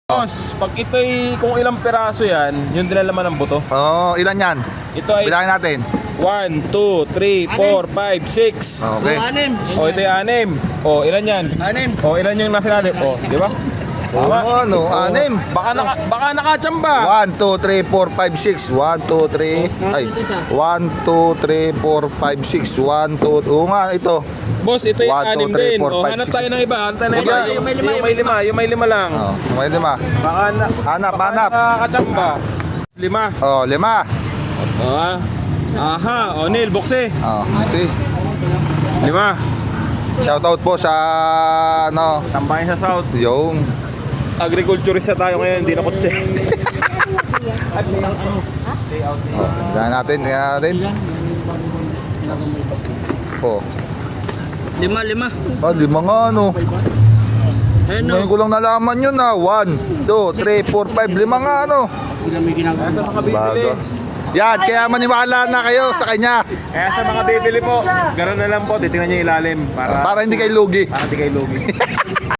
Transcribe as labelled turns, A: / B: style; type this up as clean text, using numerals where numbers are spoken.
A: Boss, pag ito'y kung ilang peraso yan, yun din ang laman ng buto.
B: Oo, ilan yan?
A: Ito ay
B: Bilangin natin.
A: 1, 2, 3, 4, 5, 6.
B: Okay.
C: Anim.
A: O, ito yung 6. O, ilan yan?
C: Anim.
A: O, ilan yung nasa natin? O, di ba?
B: Oo, ano, 6.
A: Baka nakachamba.
B: 1, 2, 3, 4, 5, 6. 1, 2, 3. Ay. 1, 2, 3, 4, 5, 6. 1, 2. Oo nga, ito.
A: Boss, ito yung
B: 1, 2,
A: 6
B: 3,
A: din.
B: 4,
A: O,
B: 5,
A: hanap
B: 6.
A: tayo ng iba. Hanap tayo ng iba.
B: Yung
A: Yung may lima lang.
B: Oh, may 5.
A: Baka
B: Hanap.
A: nakachamba. 5.
B: Oh, 5.
A: O, ah. Aha, o, Neil, bukse.
B: Oh, see.
A: 5.
B: Shoutout po sa ano,
A: Tambahin sa South.
B: yung
A: Agriculturista tayo ngayon, hindi na kotse.
B: tingnan natin. Oh.
C: 5.
B: Ah, 5 nga ano. Ngayon ko lang nalaman yun na. 1, 2, 3, 4, 5, 5 nga ano.
A: Kaya sa mga bibili.
B: Bago. Yan, kaya maniwala na kayo sa kanya.
A: Kaya sa mga bibili po, gano'n na lang po, titingnan nyo yung ilalim para
B: Para hindi kayo lugi.
A: hindi kayo lugi.